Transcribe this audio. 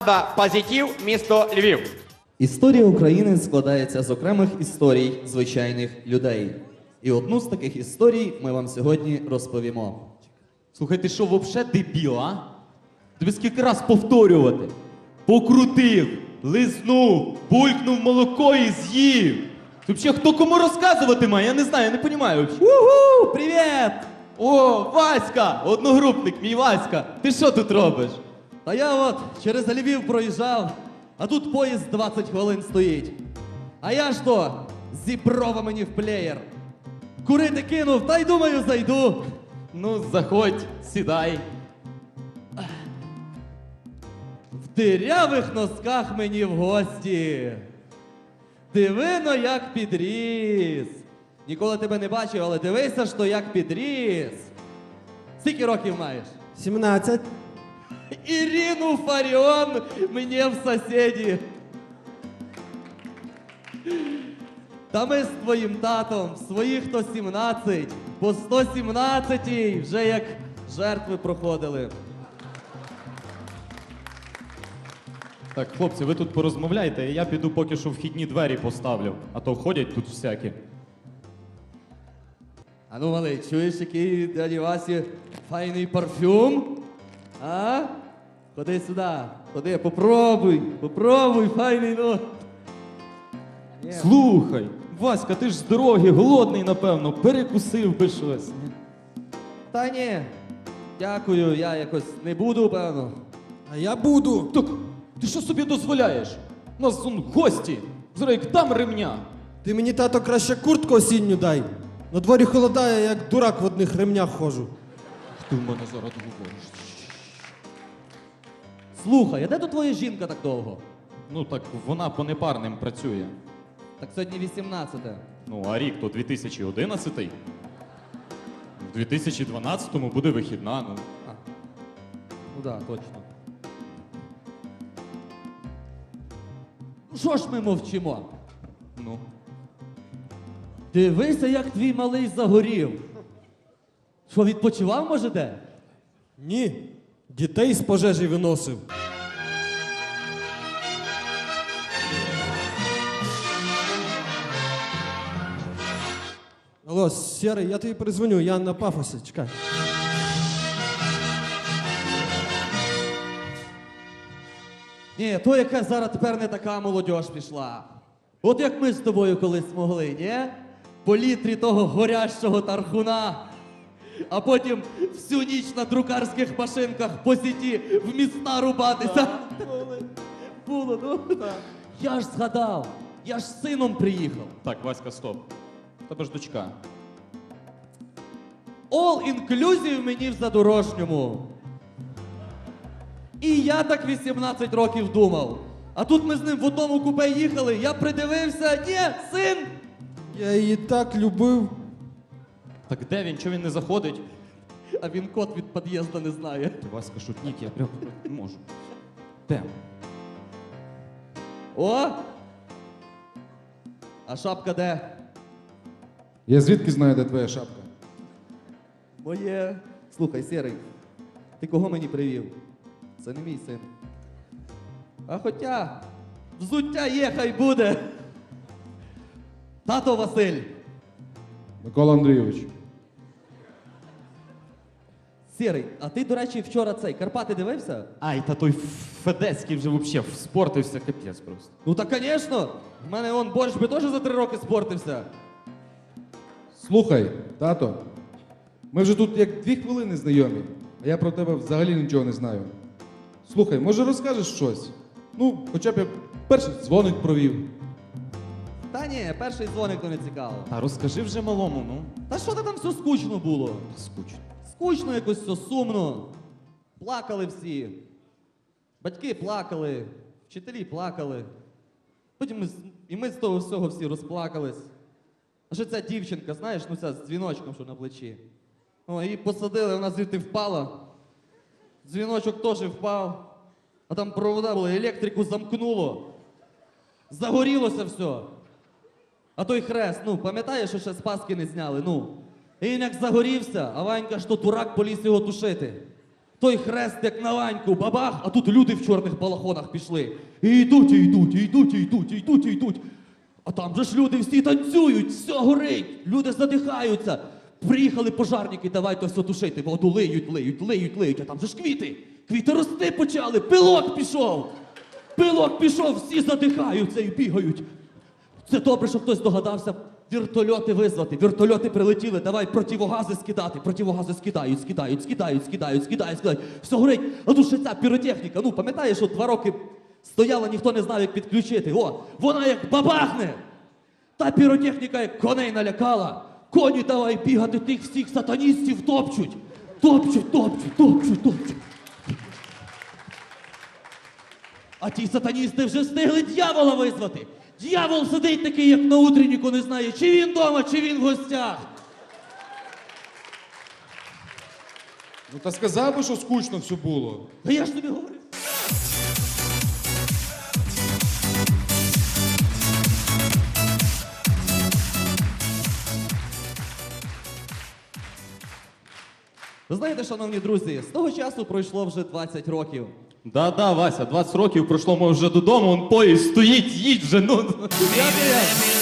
Позитив, місто Львів. Історія України складається з окремих історій звичайних людей. І одну з таких історій ми вам сьогодні розповімо. Слухай, ти що, вообще дебіл, а? Тобі скільки раз повторювати? Покрутив, лизнув, булькнув молоко і з'їв. Ти взагалі хто кому розказувати має? Я не знаю, я не розумію. Уху! Привіт! О, Васька! Одногрупник мій Васька. Ти що тут робиш? Та я от через Львів проїжджав, а тут поїзд 20 хвилин стоїть. А я ж то зіброва мені в плеєр. Курити кинув, та й думаю, зайду. Ну, заходь, сідай. В дирявих носках мені в гості. Дивино, як підріс. Ніколи тебе не бачив, але дивися ж то, як підріс. Скільки років маєш? 17. Ірину Фаріон мені в сусіді. Та ми з твоїм татом, своїх 117, по 117-й вже як жертви проходили. Так, хлопці, ви тут порозмовляйте, а я піду поки що вхідні двері поставлю. А то ходять тут всякі. А ну, малий, чуєш, який дяді Васі файний парфюм? А? Ходи сюди, ходи, попробуй, файний, ну. Слухай, Васька, ти ж з дороги, голодний, напевно, перекусив би щось. Та ні, дякую, я якось не буду, певно. А я буду. Так, ти що собі дозволяєш? У нас он гості. Зараз як дам ремня. Ти мені, тато, краще куртку осінню дай. На дворі холодає, як дурак в одних ремнях ходжу. Ти в мене зараз говориш. Слухай, а де тут твоя жінка так довго? Ну так вона по непарним працює. Так сьогодні 18-те. Ну, а рік то 2011-й. В 2012-му буде вихідна, ну. Ну да, точно. Ну що ж ми мовчимо? Ну. Дивися, як твій малий загорів. Що, відпочивав, може, де? Ні, дітей з пожежі виносив. Алло, Сєрий, я тобі перезвоню, я на пафосі, чекай. Ні, то яка зараз тепер не така молодь пішла. От як ми з тобою колись могли, ні? По літрі того горящого тархуна, а потім всю ніч на друкарських машинках по сіті в міста рубатися. Було, ну. Я ж згадав, я ж з сином приїхав. Так, Васька, стоп. Тебе ж дочка. All inclusive мені в задорожньому. І я так 18 років думав. А тут ми з ним в одному купе їхали, я придивився, ні, син! Я її так любив. Так де він? Чого він не заходить? А він код від під'їзду не знає. Ти, Васька, шутник, я прям не можу. Де? О! А шапка де? Я звідки знаю, де твоя шапка? Моє. Слухай, Сірий, ти кого мені привів? Це не мій син. А хоча, взуття є, хай буде. Тато Василь. Микола Андрійович. Сірий, а ти, до речі, вчора Карпати дивився? Ай, та той Федецький вже взагалі спортився, капець просто. Ну так, звісно. В мене он борщ би теж за 3 роки спортився. Слухай, тато, ми вже тут як 2 хвилини знайомі, а я про тебе взагалі нічого не знаю. Слухай, може розкажеш щось? Ну, хоча б як перший дзвоник провів. Та ні, перший дзвоник то не цікаво. Та розкажи вже малому, ну. Та що там все скучно було? Скучно. Скучно якось все, сумно. Плакали всі. Батьки плакали, вчителі плакали. Потім ми з того всього всі розплакались. А що ця дівчинка, знаєш, ну ця з дзвіночком, що на плечі. О, її посадили, вона звідти впала. Дзвіночок теж впав. А там провода були, електрику замкнуло. Загорілося все. А той хрест, ну, пам'ятаєш, що ще з Пасхи не зняли, ну. І він як загорівся, а Ванька ж то дурак поліз його тушити. той хрест як на ланьку, бабах, а тут люди в чорних балахонах пішли. І йдуть, і йдуть, і йдуть, і йдуть, і йдуть, і йдуть. А там же ж люди всі танцюють, все горить, люди задихаються. Приїхали пожарники, давайте все тушити, воду лиють, лиють, лиють, лиють, а там же ж квіти. Квіти рости почали, пилок пішов. Пилок пішов, всі задихаються і бігають. Це добре, що хтось догадався вертольоти визвати. Вертольоти прилетіли, давай противогази скидати. Противогази скидають, скидають, скидають, скидають, скидають, скидають. Все горить. А тут ще ця піротехніка. Ну, пам'ятаєш, що 2 роки стояла, ніхто не знав, як підключити. О, вона як бабахне. Та піротехніка як коней налякала. Коні давай бігати, тих всіх сатаністів топчуть. Топчуть, топчуть, топчуть, топчуть. А ті сатаністи вже встигли дьявола визвати. Дьявол сидить такий, як на утренніку, не знає, чи він вдома, чи він в гостях. Ну та сказав би, що скучно все було. А я ж тобі говорю. Ви знаєте, шановні друзі, з того часу пройшло вже 20 років. Да-да, Вася, 20 років пройшло, ми вже додому, он поїзд стоїть, їдь вже, ну. Я